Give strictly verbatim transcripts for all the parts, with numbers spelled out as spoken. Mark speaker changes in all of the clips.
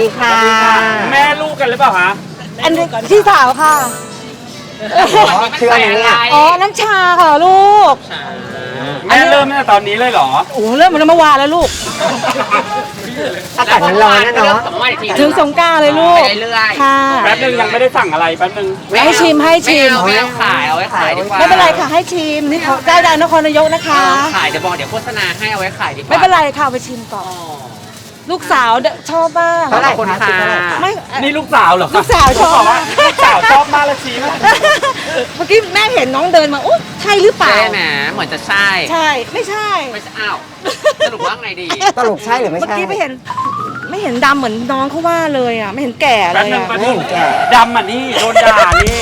Speaker 1: ดีค่ะ
Speaker 2: แม่ลูกกันหรือเปล่าคะ
Speaker 3: อันนี้พี่สาวค่ะ
Speaker 1: คืออะไรเนี่ย
Speaker 3: อ๋อ น้ำชาค่ะลูก
Speaker 2: แม่เริ่มตั้งแต่ตอนนี้เลยเหรอ
Speaker 3: โอ้เริ่มมันเมื่อวานแล้วลูก
Speaker 1: อากาศมันร้อนนะเนาะ
Speaker 3: ถึงสงกรานต์เลยลูก
Speaker 4: ไปเรื่อยๆ
Speaker 3: ค่ะ
Speaker 2: แป๊บนึงยังไม่ได้สั่งอะไรแป๊บนึง
Speaker 3: ให้ชิมให้ชิม
Speaker 4: ไม่เอาขายเอาไว้ขายดีกว่า
Speaker 3: ไม่เป็นไรค่ะให้ชิมนี่เขาได้ดานครนายกนะคะ
Speaker 4: ขายเดี๋ยวบอกเดี๋ยวโฆษณาให้เอาไว้ขายดีกว่า
Speaker 3: ไม่เป็นไรค่ะเอาไปชิมก่อน ลูกสาวชอบมาก
Speaker 1: เท่าไหร่
Speaker 4: ขอบคุณ
Speaker 1: คะ
Speaker 4: ค่ะ
Speaker 1: สิบเท่าไหร่คะ
Speaker 3: ไม่
Speaker 2: นี่ลูกสาวเหรอ
Speaker 3: ลูกสาวชอบ
Speaker 2: ผมบกว่าลูกสาวชอบมากเลยชี้มาก
Speaker 3: เมื่อกี้แม่เห็นน้องเดินมาอุ๊ยใช่หรือเปล่า
Speaker 4: ใช่ไหมเหมือนจะใช่
Speaker 3: ใช่ ไม่ใช่
Speaker 4: ไม่ใช่อ้าวสรุปว่าไงดี
Speaker 1: สรุปใช่หรือไม่
Speaker 3: เมื่อ
Speaker 1: ใช่
Speaker 3: กี้ไม่เห็น ไม่เห็นดำเหมือนน้องเขาว่าเลยอ่ะ ไม่เห็นแก่เล
Speaker 2: แป๊บ
Speaker 3: ย
Speaker 2: นึง
Speaker 3: อ่ะ
Speaker 2: แป๊บ
Speaker 1: ไม่
Speaker 2: นึง
Speaker 1: เห็นแก่
Speaker 2: ดำอ่ะนี่โดนด่านี่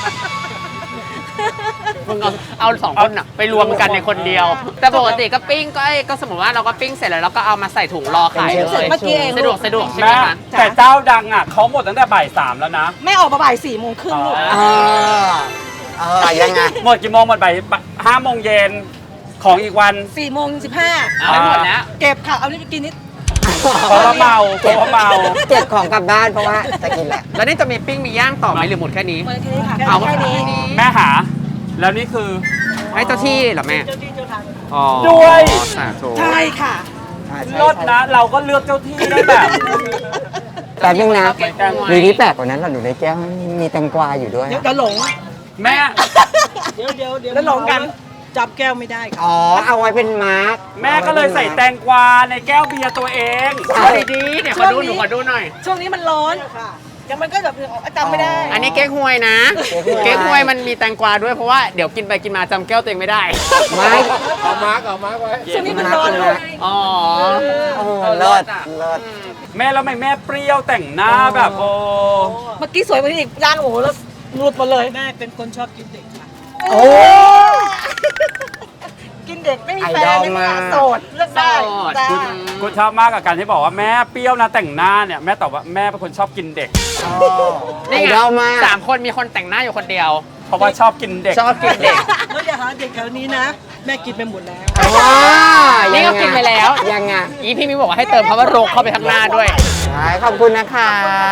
Speaker 4: มึงเอาเอาสองคนอะไปรวมกันในคนเดียว แต่ปกติก็ปิ้งก็ก็สมมติว่าเราก็ปิ้งเสร็จแล้วเราก็เอามาใส่ถุงรอขาย
Speaker 1: เป็น
Speaker 4: เล
Speaker 1: เชื้อ
Speaker 4: ย
Speaker 3: เมื่อกี้เอง
Speaker 4: สะดวกสะดวกใช่ไหม
Speaker 2: แม่
Speaker 4: คะ
Speaker 2: แต่เจ้าดังอ่ะเขาหมดตั้งแต่บ่ายสามแล้วนะ
Speaker 3: แม่ออกมาบ่ายสี่โมงครึ่งลูก
Speaker 2: อ๋
Speaker 1: เออเออยังไง
Speaker 2: หมดกี่โมงหมดบ่ายห้าโมงเย็นของอีกวัน
Speaker 3: สี่โมงสิบห้า
Speaker 4: เอาไปหมดแล้ว
Speaker 3: เก็บค่ะ เอานี่ไปกินนิด
Speaker 2: เพราะว่าเมาเพราะว่าเมา
Speaker 1: เก็บของกลับบ้านเพราะว่าจะกินแหละ
Speaker 4: แล้วนี่จะมีปิ้งมีย่างต่อไหมหรือหมดแค่นี้
Speaker 3: เมื่อแค่นี้ค่ะ
Speaker 4: เอา
Speaker 3: แค่นี้
Speaker 2: แม่หา แล้วนี่คือ
Speaker 4: ให้เจ้าที่เหรอแม่
Speaker 3: เจ้าที่เจ้าทาง
Speaker 4: อ๋อ
Speaker 2: ด้วย
Speaker 4: สาธุ
Speaker 3: ใช่ค่ะ
Speaker 2: รถนะ เราก็เลือกเจ้าที่ได้แบบ
Speaker 1: แป๊บนึงนะ
Speaker 2: เหมือนกัน
Speaker 1: มีที่แปลกกว่านั้นเราอยู่ในแก้วมีแตงกวาอยู่ด้วย
Speaker 3: เดี๋ยวเดี๋ยวหลง
Speaker 2: แม่
Speaker 5: เดี๋ยวเดี๋ยวเดี๋ยว
Speaker 3: แล้วหลงกัน
Speaker 5: จับแก้วไม่ได้ค่ะ
Speaker 1: อ๋อ เอาไว้เป็นมาร์ก
Speaker 2: แม่ก็เลยใส่แตงกวาในแก้วเบียร์ตัวเอง
Speaker 4: เอาดีๆเนี่ยขอดูหนูขอดูหน่อย
Speaker 3: ช่วงนี้มันร้อนเดี๋ยวมันก็แบบจำไม่ได้
Speaker 4: อันนี้เก๊กฮวยนะ เก๊กฮวยมันมีแตงกวาด้วยเพราะว่าเดี๋ยวกินไปกินมาจำแก้วตัวเองไม่ได้
Speaker 1: ไม้
Speaker 5: เอามาร์กเอามาร์กไว้
Speaker 3: ช่วงนี้มันร้อนลูก
Speaker 4: อ๋อ
Speaker 1: โอ้เลิศเลิศ
Speaker 2: แม่แล้วทำไมแม่เปรี้ยวแต่งหน้าแบบโอ้
Speaker 3: เมื่อกี้สวยกว่านี้อีกย่างโอ้โหแล้วหลุดหมาเลย
Speaker 5: แม่เป็นคนชอบกินเด็กค่ะ
Speaker 1: โอ้
Speaker 3: กินเด็กไม่มี
Speaker 1: ไอ
Speaker 3: แฟ
Speaker 1: ดอน ล
Speaker 3: ไม่มี
Speaker 1: มาก
Speaker 3: โสดเลือกได้
Speaker 4: โสด
Speaker 3: จ้า
Speaker 2: กูชอบมากกับการที่บอกว่าแม่เปรี้ยวนะแต่งหน้าเนี่ยแม่ตอบว่าแม่เป็นคนชอบกินเด็ก
Speaker 1: ไอ
Speaker 4: นี่ไง
Speaker 1: ดอลมาก
Speaker 4: สามคนมีคนแต่งหน้าอยู่คนเดียว
Speaker 2: เพราะว่าชอบกินเด็ก
Speaker 4: ชอบกินเด็ก
Speaker 5: แล้วอย่าหาเด็กแถวนี้นะ แม่กินไปหมดแล้ว
Speaker 1: อ๋อ
Speaker 4: นี่ก็กินไปแล้ว
Speaker 1: ยังไง
Speaker 4: อีพี่มิวบอกว่าให้เติมคำว่าโรคเข้าไปข้างหน้าด้วย
Speaker 1: ใช่ขอบคุณนะคะ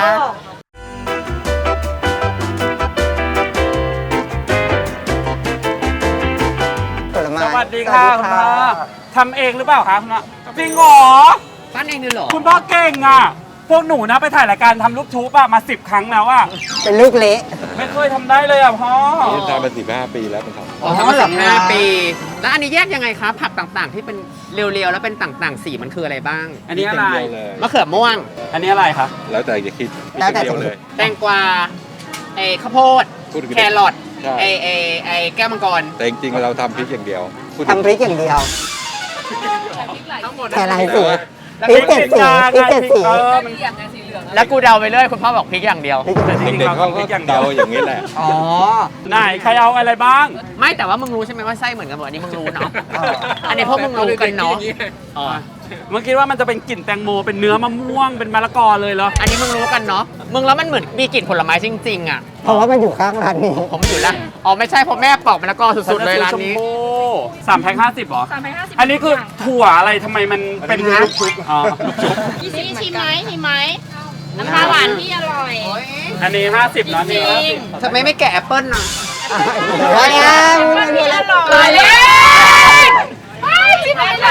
Speaker 1: ผลไม้
Speaker 2: สวัสดีค่ะคุณพ่อทำเองหรือเปล่าคะคุณพ่อจริงเหรอ
Speaker 4: ปั้นเองเลยเหรอ
Speaker 2: คุณพ่อเก่งอ่ะ พวกหนูนะไปถ่ายรายการทำลูกชุบอะมาสิบครั้งแล้วอะ
Speaker 1: เป็นลูกเละ
Speaker 2: ไม่เคยทำได้เลยอะพ่อ
Speaker 6: นี่ทำมาสิบห้าปีแล้วมันทำ
Speaker 4: อ๋อทำมาสิบห้าปี แล้วอันนี้แยกยังไงคะผักต่างๆ ที่เป็นเรียวๆแล้วเป็นต่างๆ สีมันคืออะไรบ้าง
Speaker 2: อันนี้อะไร
Speaker 6: เดียวเลย
Speaker 4: มะเขือม่วง
Speaker 2: อันนี้อะไรคะ
Speaker 6: แล้วแต่จะคิด
Speaker 1: แล้วแต่
Speaker 6: เดียวเลย
Speaker 4: แตงกวาไอ้ข้าวโพด
Speaker 6: พูดถึง
Speaker 4: แครอท
Speaker 6: ใช่
Speaker 4: ไอ้ไอ้ไอ้แก้วมังกร
Speaker 6: แต่จริงๆเราทำพริกอย่างเดียวพูดถึง
Speaker 1: ทำพริกอย่างเดียว
Speaker 4: ทั้งหมด
Speaker 1: แค่ไรสี
Speaker 4: แล้ว
Speaker 1: พริกเจ็ดสีพริกเจ็ดสี
Speaker 2: เออมัน
Speaker 4: แล้วกูเดาไปเรื่อยคุณพ่อบอกพริกอย่างเดียว
Speaker 2: แต่จริงๆ
Speaker 6: เด็ก
Speaker 2: เรา
Speaker 6: ๆเขา
Speaker 2: ทำพ
Speaker 6: ก็
Speaker 2: ริกอย่างเดี
Speaker 6: เดา
Speaker 2: ยว
Speaker 6: อย่างนี้แหละ
Speaker 1: อ๋อ
Speaker 2: ไหนใครเอาอะไรบ้าง
Speaker 4: ไม่แต่ว่ามึงรู้ใช่ไหมว่าไส้เหมือนกันหมดอันนี้มึงรู้เนาะ อันนี้พวกมึงรู้กันเนาะอ๋อ
Speaker 2: เมื่อกี้ว่ามันจะเป็นกลิ่นแตงโมเป็นเนื้อมะม่วงเป็นมะละกอเลยเหรอ
Speaker 4: อันนี้มึงรู้กันเนาะ มึงแล้วมันเหมือนมีกลิ่นผลไม้จริงๆอ่ะ
Speaker 1: เพราะว่ามันอยู่ข้างร้านนี้
Speaker 4: ผมอยู่ละอ๋อไม่ใช่เพราะแม่ปอกมะละกอสุดๆเลยร้านนี้
Speaker 2: ชมพูสามแพ็คห้าสิบเหรอ
Speaker 7: สามแพ็คห้าสิบ
Speaker 2: อันนี้คือถั่วอะไรทำไมมันเป็น
Speaker 1: อันนี้นะ
Speaker 2: ลูกชุบอ๋อลูกชุบ
Speaker 7: พี่ซีชิมไหมชิมไหมน้ำปลาหวานที่อร่อย
Speaker 2: อันนี้ห้าสิบนะ
Speaker 7: จ
Speaker 2: นี่
Speaker 7: ริง
Speaker 4: ทำไมไม่แกะแอปเปิ้ลน่ะ
Speaker 1: เฮ้ยอ่ะ
Speaker 7: มันที่อร่อย
Speaker 4: ตายแล้ว
Speaker 7: ไม่ชิมอะไร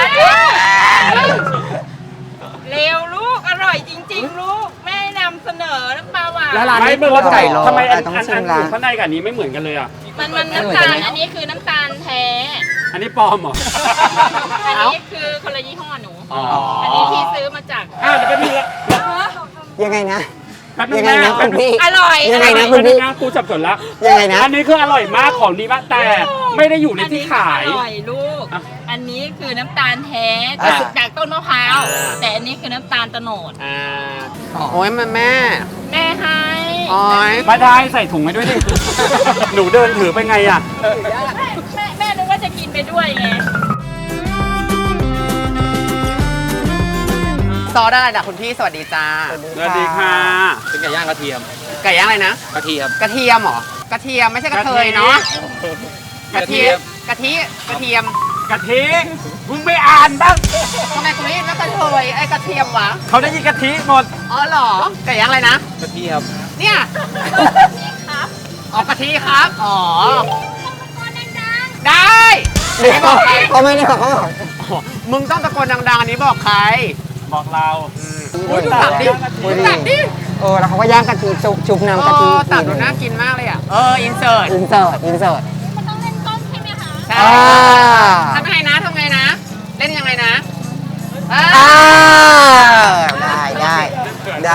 Speaker 7: เร็วลูก อร่อยจริง ๆ ลูก แม่นำเสนอน้ำปลาหวาน
Speaker 4: แล้วร้าน
Speaker 2: ไม่
Speaker 4: นี้
Speaker 2: เมื่อ
Speaker 4: ข้าวไก่รอ
Speaker 2: ทำไมอัน
Speaker 1: ต้อง
Speaker 2: อัน
Speaker 1: ชิ
Speaker 2: อั
Speaker 1: ม
Speaker 2: น
Speaker 1: ร้าน
Speaker 2: ข้างในกับอันนี้ไม่เหมือนกันเลยอ่ะ
Speaker 7: มันมันน้ำตาล อันนี้คือน้ำตาลแท้
Speaker 2: อันนี้ปลอมเหรอ
Speaker 7: อันนี้คือคนละยี่ห้อหนู
Speaker 2: อ๋อ
Speaker 7: อันนี้พี่ซื้อมาจาก
Speaker 2: อ้าวเดี๋ยวไปดูละ
Speaker 1: ยังไงนะ
Speaker 2: แป๊บนึ
Speaker 1: ยัง งไง
Speaker 2: แม่
Speaker 1: นะ
Speaker 2: แป๊
Speaker 1: คุ
Speaker 2: บ
Speaker 1: ณ
Speaker 2: นึง
Speaker 1: พี่
Speaker 7: อร่อย
Speaker 1: ยังไงนะ
Speaker 2: แป๊บนึงนะกูจับสนละ
Speaker 1: ยังไงนะ
Speaker 2: อันนี้คืออร่อยมากของดีมากแต่ไม่ได้อยู่ใน
Speaker 7: อัน
Speaker 2: ที่
Speaker 7: นี้
Speaker 2: ขาย
Speaker 7: อร่อยลูก
Speaker 2: อ่ะ
Speaker 7: อันนี้คือน้ำตาลแท้
Speaker 1: อ่า
Speaker 7: จากต้นมะพร้าว แต่อันนี้คือน้ำตาลโตโนด
Speaker 4: อ่าโอ้ยแม่แม่
Speaker 7: แม่ให้
Speaker 4: โอ้ย
Speaker 2: ไม่ได้ใส่ถุงให้ด้วยดิ หนูเดินถือไปไงอ่ะ
Speaker 7: แม่แม่แม่นึกว่าจะกินไปด้วยไง
Speaker 4: ซอสอะไรด่ะคุณพี่สวัสดีจ้า
Speaker 2: สวัสดีค่ะ
Speaker 6: เป็นไก่ย่างกระเทียม
Speaker 4: ไก่ย่างอะไรนะ
Speaker 6: กระเทียม
Speaker 4: กระเทียมเหรอ กระเทียมไม่ใช่กระเทยเนาะ กระเทียม กะทิ กระเทียม
Speaker 2: กะทิมึงไม่อ่านบ้าง
Speaker 4: ทำไมคุณได้ยินว่ากระเทยไอ้กระเทียมวะ
Speaker 2: เขาได้ยินกะทิหมด
Speaker 4: อ๋อเหรอไก่ย่างอะไรนะ
Speaker 6: กะทิครับ
Speaker 4: เนี่ยอ๋อกะทิครับ อ๋อ ได้
Speaker 1: เดี๋ยวเขาไม่ได้บอกเขาบอก
Speaker 4: มึงต้องตะโกนดังๆอันนี้บอกใคร
Speaker 2: บอกเรา
Speaker 4: อุ้ยดูตักดิดูตักดิ
Speaker 1: เออแล้วเขาก็ย่างกะทิชุบชุบ
Speaker 4: เอ
Speaker 1: น้ำกะทิ
Speaker 4: อตักดูน่ากินมากเลยอ่ะ เออ อินเสิร์ต
Speaker 1: อินเสิร์ตอินเสิร์ต
Speaker 4: ใช่
Speaker 1: อ่า
Speaker 4: ทำไงนะทำไงนะ เล่นยังไงนะอ่า
Speaker 1: อ่าได้ได้ได้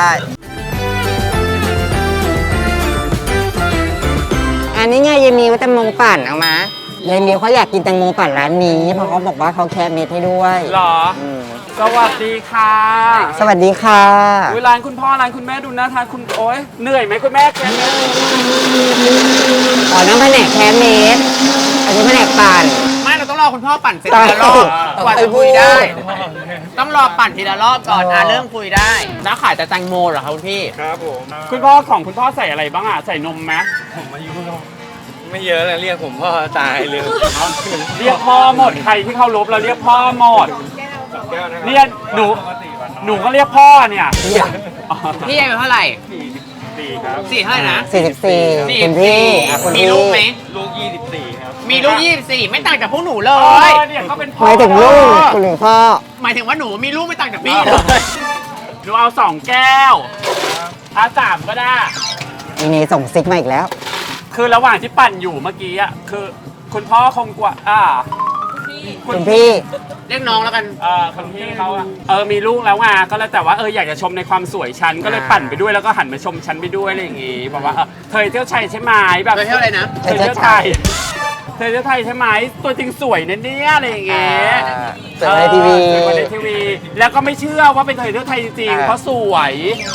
Speaker 1: อันนี้ไงยายมีว่าแตงโมปั่นเอามายายมีเขาอยากกินแตงโมปั่นร้านนี้เพราะเขาบอกว่าเขาแค่เม็ดให้ด้วย
Speaker 2: เหรอ
Speaker 1: อืม
Speaker 2: สวัสดีค่ะ
Speaker 1: สวัสดีค่ะ
Speaker 2: เวลานคุณพ่อร้านคุณแม่ดูน่าทานคุณโอ๊ยเหนื่อยไหมคุณแม่แกเนี่ย
Speaker 1: อ๋อน้ำแผนกแค่เม็ดอันนี้แผนกปั่น
Speaker 4: ไม่เราต้องรอคุณพ่อปั่นเสร็จทีละรอบ
Speaker 1: ใช่
Speaker 4: กว่าจะคุยได้ ต้องรอปั่นทีละรอบก่อนอ่ะเริ่มคุยได้ แล้วขายแต่แตงโมเหรอครับคุณพี่
Speaker 6: ครับผม
Speaker 2: คุณพ่อของคุณพ่อใส่อะไรบ้างอ่ะ ใส่นมไหม
Speaker 6: ผมอายุไม่เยอะเลยเรียกผมพ่อตายเลย
Speaker 2: เรียกพ่อหมด ใครที่เข้ารบเราเรียกพ่อหมด
Speaker 6: แก้วนะครับ
Speaker 2: เนี่ยหนู หนูก็เรียกพ่อเนี่ย
Speaker 4: พี่อายุเท่าไหร่
Speaker 2: สี่ครับ
Speaker 4: สี่เท่าไหร่นะ
Speaker 1: สี่สิบสี่
Speaker 4: สี่
Speaker 1: คุณพี่อ่ะคุณ
Speaker 4: มี
Speaker 1: พี่
Speaker 4: ลูกไหม
Speaker 6: ลูกยี่สิบสี่ครับ
Speaker 4: มีลูกยี่สิบสี่ไม่ต่างจากพวกหนูเล
Speaker 2: เอย อเนี่ยเขาเป็นพ่
Speaker 1: ห
Speaker 2: อ
Speaker 1: มายถึงลูกคุณหรือพ่อ
Speaker 4: หมายถึงว่าหนูมีลูกไม่ต่างจากพี่เลย
Speaker 2: หนูเอาสองแก้วอาสามก็ได้
Speaker 1: มีเนส่งซิกมาอีกแล้ว
Speaker 2: คือระหว่างที่ปั่นอยู่เมื่อกี้อ่ะ คือคุณพ่อคงกว่า อ่า
Speaker 1: คุณพี่
Speaker 4: เรียกน้องแล้วกัน
Speaker 2: เออคนพี่เขาอะเออมีลูกแล้วไงก็แล้วแต่ว่าเอออยากจะชมในความสวยฉันก็เลยปั่นไปด้วยแล้วก็หันมาชมฉันไปด้วยอะไรอย่างงี้บอกว่าเออเธอเที่ยวชัยใช่ไหมแบบ
Speaker 4: เธอเที่ยวอะไรนะ
Speaker 2: เธอเที่ยวไทยเธอเที่ยวไทยใช่ไหมตัวจริงสวยนะเนี่ยอะไรอย่างเงี้ย
Speaker 1: สวยในทีวี
Speaker 2: เออสวยในทีวี แล้วก็ไม่เชื่อว่าเป็นเธอเที่ยวไทยจริงๆเพราะสวย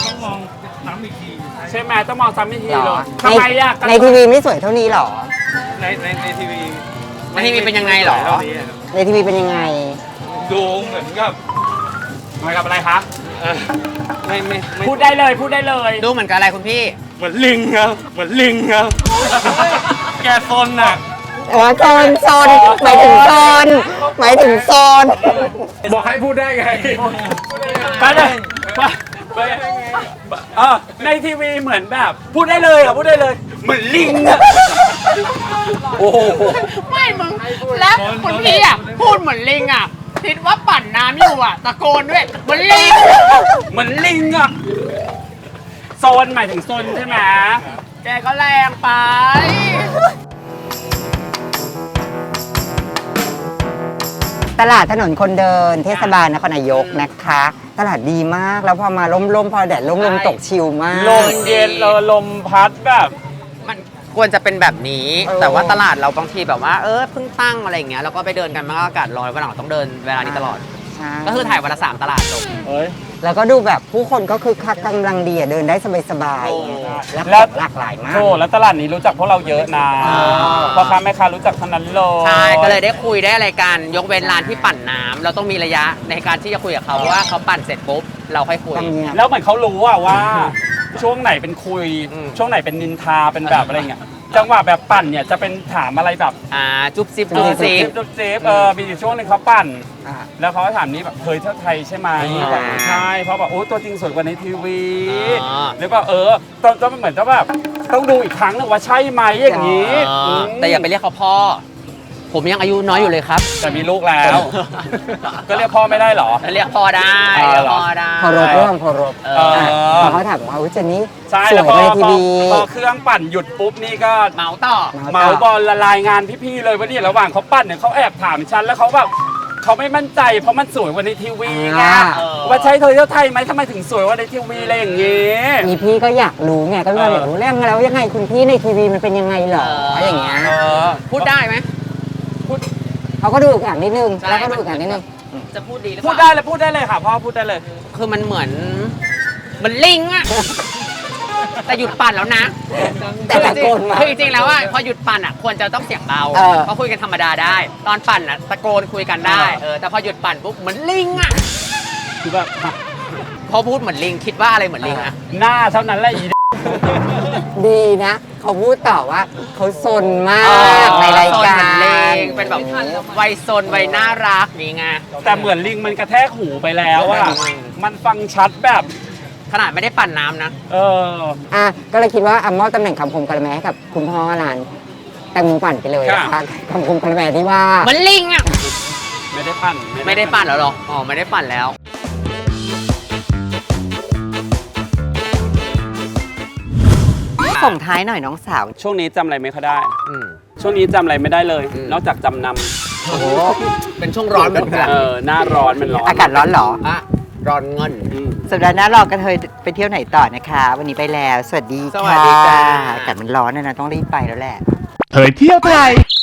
Speaker 2: ใช่ไหมต้องมองซ้ำอีกที
Speaker 1: เหร
Speaker 2: เล
Speaker 1: อย
Speaker 2: ทำไมอะ
Speaker 1: ในทีวีไม่สวยเท่านี้เหรอ
Speaker 6: ในในในทีวี
Speaker 4: ในทีวีเป็นยังไงเหรอ
Speaker 6: เท่านี้ครับ
Speaker 1: ในทีวีเป็นยังไง
Speaker 6: ดูเหมือนกับ
Speaker 2: ทำไมกับอะไรคะ
Speaker 6: เอ่อไม่ไม่ไม่
Speaker 2: พูดได้เลยพูดได้เลย
Speaker 4: ดูเหมือนกับอะไรคุณพี่
Speaker 6: เหมือนลิงครับเหมือนลิงครับแกซนอ่ะ
Speaker 1: อ๋อโซนโซนหมายถึงโซนหมายถึงโซน
Speaker 2: บอกให้พูดได้ไงไปเลยไปไปเออในทีวีเหมือนแบบ พูดได้เลยอ่ะพูดได้เลย เหมือนลิงอ่ะโอ้โห
Speaker 4: ไม่มึง แล้วคุณพี่อ่ะ พูดเหมือนลิงอ่ะ คิดว่าปั่นน้ำอยู่อ่ะ ตะโกนด้วยเหมือนลิง
Speaker 2: เหมือนลิงอ่ะโซนหมายถึงโซนใช่ไหม
Speaker 4: แกก็แรงไป
Speaker 1: ตลาดถนนคนเดินเทศบาลนครนายกนะคะ ตลาดดีมากแล้วพอมาล่มๆพอแดดล่ม
Speaker 4: ใช่
Speaker 1: ๆตกชิลมาก
Speaker 2: ลมเย็นเออลมพัดแบบ
Speaker 4: มันควรจะเป็นแบบนี้
Speaker 1: เออ
Speaker 4: แต่ว่าตลาดเราบางทีแบบว่า เออเพิ่งตั้งอะไรอย่างเงี้ย แล้วก็ไปเดินกันมันก็อากาศร้อนวันหลังต้องเดินเวลานี้ตลอด
Speaker 1: ใช่
Speaker 4: ก็คือถ่ายวันละสามตลาดจบ
Speaker 2: เอ้ย
Speaker 1: แล้วก็ดูแบบผู้คนก็คือคักกำลังดีอะเดินได้สบาย
Speaker 4: โอ้
Speaker 1: ๆแล้ว
Speaker 2: แล้ว
Speaker 1: หลากหลายมาก
Speaker 2: โอ้แล้วตลาดนี้รู้จักพวกเราเยอะนะ
Speaker 4: อ่า
Speaker 2: พ่อค้าแม่ค้ารู้จักทั้งนั้นเลย
Speaker 4: ใช่ ก็เลยได้คุยได้อะไรกัน ยกเว้นร้านที่ปั่นน้ำเราต้องมีระยะในการที่จะคุยกับเขาว่าเขาปั่นเสร็จปุ๊บเราค่อยคุย
Speaker 1: ทำเนียบ
Speaker 2: แล้วเหมือนเขารู้อะว่า ช่วงไหนเป็นคุย
Speaker 4: อืม
Speaker 2: ช่วงไหนเป็นนินทาเป็นแบบอะไรเงี้ยจังหวะแบบปั่นเนี่ยจะเป็นถามอะไรแบบ
Speaker 4: อ่า จุ๊บซิบ
Speaker 1: จุ๊
Speaker 4: จุ๊บบ ซิ
Speaker 2: เซ
Speaker 4: บ
Speaker 2: ฟเซฟเออมีอยู่ช่วงหนึงเขาปั่น
Speaker 1: อ่ะ
Speaker 2: แล้วเขาก็ถามนี้แบบเคยเที่ยวไทยใช่ไหม
Speaker 1: อ่า
Speaker 2: บอกใช่เพราะแบบโอ้ตัวจริงสวยกว่าในทีวี
Speaker 4: อ่า
Speaker 2: หรือว่าเออตอนตอนเหมือนจะแบบต้องดูอีกครั้งหนึงว่าใช่ไหมอย่างนี้
Speaker 4: อ่า
Speaker 2: ม
Speaker 4: แต่อย่าไปเรียกเขาพ่อ ผมยังอายุน้อยอยู่เลยครับ
Speaker 2: แต่มีลูกแล้ว ก็เรียกพ่อไม่ได้เหรอ
Speaker 4: เรียกพ่อได้
Speaker 2: อ่า
Speaker 4: เรียก
Speaker 2: เหรอ
Speaker 4: พ่อได้
Speaker 1: เคารพเรื่องเคารพ
Speaker 4: เอ
Speaker 2: เอ
Speaker 4: อ
Speaker 2: อ
Speaker 1: พอเขาถามว่าอุ๊ยเจนนี่
Speaker 2: ใช่
Speaker 1: ส
Speaker 2: แล้ว วย พ
Speaker 1: ก
Speaker 2: อ
Speaker 1: ว่าในที
Speaker 2: พอ
Speaker 1: วี
Speaker 2: พอเครื่องปั่นหยุดปุ๊บนี่ก็
Speaker 4: เมาต่อ
Speaker 2: เมาบอลละลายงานพี่ๆเลยว่าเนี่ยระหว่างเขาปั่นเนี่ยเขาแอบถามฉันแล้วเขาแบบเขาไม่มั่นใจเพราะมันสวยกว่าในทีวีไง
Speaker 1: อ่า
Speaker 4: เออ
Speaker 2: ว่าใช่เธอเที่ยวไทยไหมทำไมถึงสวยกว่าในทีวีอะไรอย่างงี้
Speaker 1: มีพี่ก็อยากรู้ไงก็เลยอยากรู้เรื่องแล้วยังไงคุณพี่ในทีวีมันเป็นยังไงเหรออย่างเงี้ย
Speaker 2: เออ
Speaker 4: พูดได้ไหม
Speaker 1: เขาก็ดูอีกอย่างนิดนึง
Speaker 4: ใช่
Speaker 1: แล้วก็ดูอีกอย่างนิดนึง
Speaker 4: จะพูดดีหรือเป
Speaker 2: พูด
Speaker 4: ล่า
Speaker 2: ได้เลยพูดได้เลยค่ะพ่อพูดได้เลย
Speaker 4: คือมันเหมือนเหมันลิงอะแต่หยุดปั่นแล้วนะ
Speaker 1: แต่ตะโกนมา
Speaker 4: คือจริงๆแล้วอะพอหยุดปั่นอะควรจะต้องเสียงเบา
Speaker 1: เออ
Speaker 4: เพราะคุยกันธรรมดาได้ ตอนปั่นอะตะโกนคุยกันได้เออแต่พอหยุดปั่นปุ๊บเหมือนลิงอะ
Speaker 2: คือแบบ
Speaker 4: พอพูดเหมือนลิงคิดว่าอะไรเหมือนลิงอะ
Speaker 2: หน้าเท่านั้นแหละอี
Speaker 1: นดีนะ เขาพูดต่อว่าเขาซนมาก ในราย
Speaker 4: โซน
Speaker 1: กา
Speaker 4: เหมือนลิ
Speaker 1: รง
Speaker 4: เป็นแบบวัยโซนวัยน่ารักนี่ไง
Speaker 2: แต่เหมือนลิงมันกระแทกหูไปแล้วอะมันฟังชัดแบบ
Speaker 4: ขนาดไม่ได้ปั่นน้ำนะ
Speaker 2: เออ
Speaker 1: อ่ะก็เลยคิดว่าอ่ะมอบตำแหน่งคำคมกระแมให้กับคุณพ่อร้านแตงโมปั่นไปเลยนะคะคำคมกระแมที่ว่า
Speaker 4: เหมือนลิงอ่ะ
Speaker 2: ไม่ได้ปั่น
Speaker 4: ไม่ได้ปั่นแล้วหรอ อ๋อ ไม่ได้ปั่นแล้ว
Speaker 1: ส่งท้ายหน่อยน้องสาว
Speaker 2: ช่วงนี้จำอะไรไม่ค่อยได้
Speaker 4: อืม
Speaker 2: ช่วงนี้จำอะไรไม่ได้เลย
Speaker 4: อืม
Speaker 2: นอกจากจำน
Speaker 1: โอ้โห
Speaker 4: เป็นช่วงร้อนเหมือนกัน
Speaker 2: ำเออหน้าร้อนมันร้อน
Speaker 1: อากาศร้อนเหรอ
Speaker 4: อ่ะร้อนเงิน
Speaker 2: อืม
Speaker 1: สัปดาห์หน้าเรากันเทยไปเที่ยวไหนต่อนะคะ วันนี้ไปแล้ว สวัสดี
Speaker 4: สวัสดี
Speaker 1: ค่ะ
Speaker 4: จ้า
Speaker 1: อากาศมันร้อนนะนะต้องรีบไปแล้วแหละ
Speaker 8: เผยเที่ยวไทย